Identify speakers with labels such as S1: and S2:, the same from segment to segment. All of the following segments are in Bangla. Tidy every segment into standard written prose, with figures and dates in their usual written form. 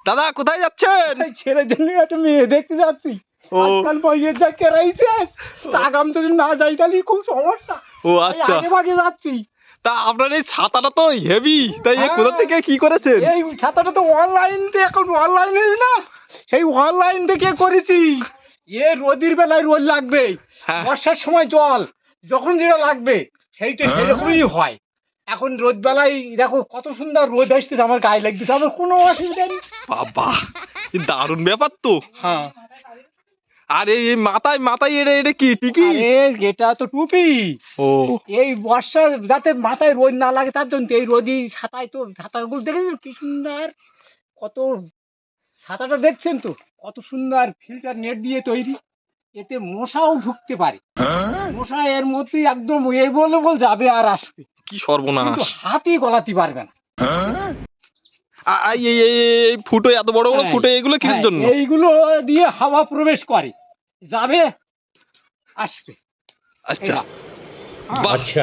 S1: দাদা কোথায় যাচ্ছেন?
S2: ছেলের জন্য একটা মেয়ে দেখতে যাচ্ছি। আজকাল বইয়ের যা কেরাইছে, আগাম যদি না যাই তাহলে খুব সমস্যা।
S1: ও আচ্ছা,
S2: আগে ভাগে যাচ্ছি।
S1: তা আপনার এই ছাতাটা তো হেভি, তাই কোথা থেকে কি করেছেন?
S2: এই ছাতাটা তো অনলাইন থেকে, এখন অনলাইন না, সেই অনলাইন থেকে করেছি। রোদের বেলায় রোদ লাগবে, বর্ষার সময় জল যখন যেটা লাগবে সেইটা সেরকমই হয়। এখন রোদ বেলায় দেখো কত সুন্দর রোদ আসতেছে, আমার গায়ে লাগতেছে, আমার কোনো অসুবিধা নেই।
S1: বাবা দারুণ ব্যাপার তো।
S2: হ্যাঁ,
S1: আর এই মাথায় মাথায় এটা কি টিকি?
S2: এটা তো টুপি।
S1: ও
S2: এই বর্ষা যাতে মাথায় রোদ না লাগে তার জন্য এই রোদই ছাতায়, তো ছাতাগুলো দেখেছেন কি সুন্দর, কত ছাতাটা দেখছেন তো কত সুন্দর ফিল্টার নেট দিয়ে তৈরি, এতে মশাও ঢুকতে পারে। মশা এর মধ্যে একদম এই বলে যাবে আর আসবে,
S1: কি সর্বনাশ,
S2: কিন্তু হাতই গলাতে পারবে না।
S1: এই ফুটো, এত বড় বড় ফুটো, এগুলো কিসের জন্য?
S2: এইগুলো দিয়ে হাওয়া প্রবেশ করে, যাবে আসবে।
S1: আচ্ছা
S3: अच्छा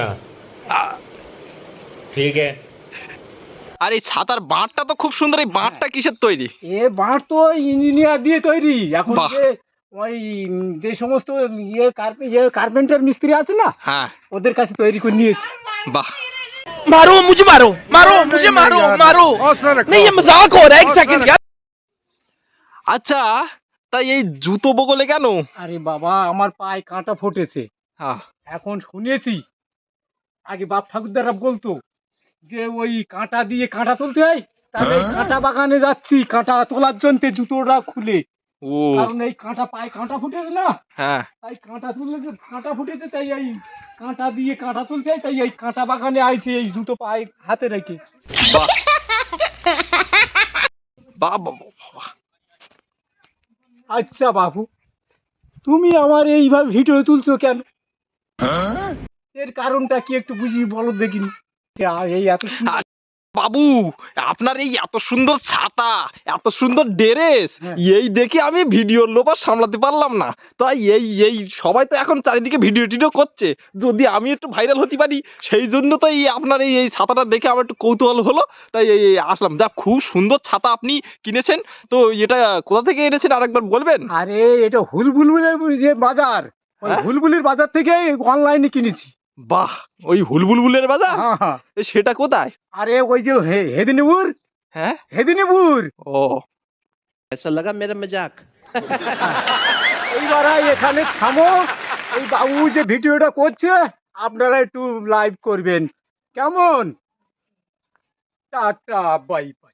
S3: ठीक है।
S1: আর এই ছাতার বাঁটটা তো খুব সুন্দর, এই বাঁটটা কিসের তৈরি?
S2: বাঁট তো ইঞ্জিনিয়ার দিয়ে তৈরি। এখন ওই যে সমস্ত কার্পেন্টার মিস্ত্রি আছে না,
S1: হ্যাঁ,
S2: ওদের কাছে তৈরি করে নিয়েছে।
S1: বাহ,
S4: मारो मुझे, मारो मारो मुझे, मारो मारो नहीं, ये मजाक हो रहा है, एक सेकंड यार।
S1: আচ্ছা তাই এই জুতো বগলে কেন?
S2: আরে বাবা, আমার পায়ে কাঁটা ফুটেছে। এখন শুনেছি, আগে বাপ ঠাকুরদারা বলতো যে ওই কাঁটা দিয়ে কাঁটা তুলতে হয়, তাহলে কাঁটা বাগানে যাচ্ছি কাঁটা তোলার জন্য জুতোটা খুলে।
S1: ও
S2: কারণ এই কাঁটা পায়ে কাঁটা ফুটেছে না,
S1: হ্যাঁ,
S2: তাই কাঁটা তুললে যে কাঁটা ফুটেছে, তাই এই কাঁটা দিয়ে কাঁটা তুলতে হয়, তাই এই কাঁটা বাগানে আইছে এই জুতো পায়ে হাতে রেখে।
S1: বাহ বাহ বাহ বাহ।
S2: আচ্ছা বাবু, তুমি আমার এইভাবে ভিডিও তুলছো কেন? এর কারণটা কি একটু বুঝিয়ে বলো দেখিনি। এই এত সুন্দর
S1: বাবু, আপনার এই এত সুন্দর ছাতা, এত সুন্দর ড্রেস, এই দেখে আমি ভিডিওর লোভ আর সামলাতে পারলাম না। তাই এই সবাই তো এখন চারিদিকে ভিডিও টিডিও করছে, যদি আমি একটু ভাইরাল হতে পারি, সেই জন্য তো এই আপনার এই ছাতাটা দেখে আমার একটু কৌতূহল হলো, তাই এই আসলাম। যা খুব সুন্দর ছাতা আপনি কিনেছেন, তো এটা কোথা থেকে এনেছেন আরেকবার বলবেন?
S2: আরে এটা হুলবুলের যে বাজার, ওই হুলবুলির বাজার থেকে অনলাইনে কিনেছি।
S1: বাহ, ওই হুলবুলের বাজার,
S2: হ্যাঁ,
S1: সেটা কোথায়?
S2: আরে ওই যে হেদিনীপুর।
S1: হ্যাঁ,
S2: হেদিনীপুর।
S1: ও
S3: ऐसा लगा मेरा मजाक।
S2: এইবার এখানে থামো, এই বাবু যে ভিডিওটা করছে আপনারা একটু লাইভ করবেন, কেমন? Tata, bye by.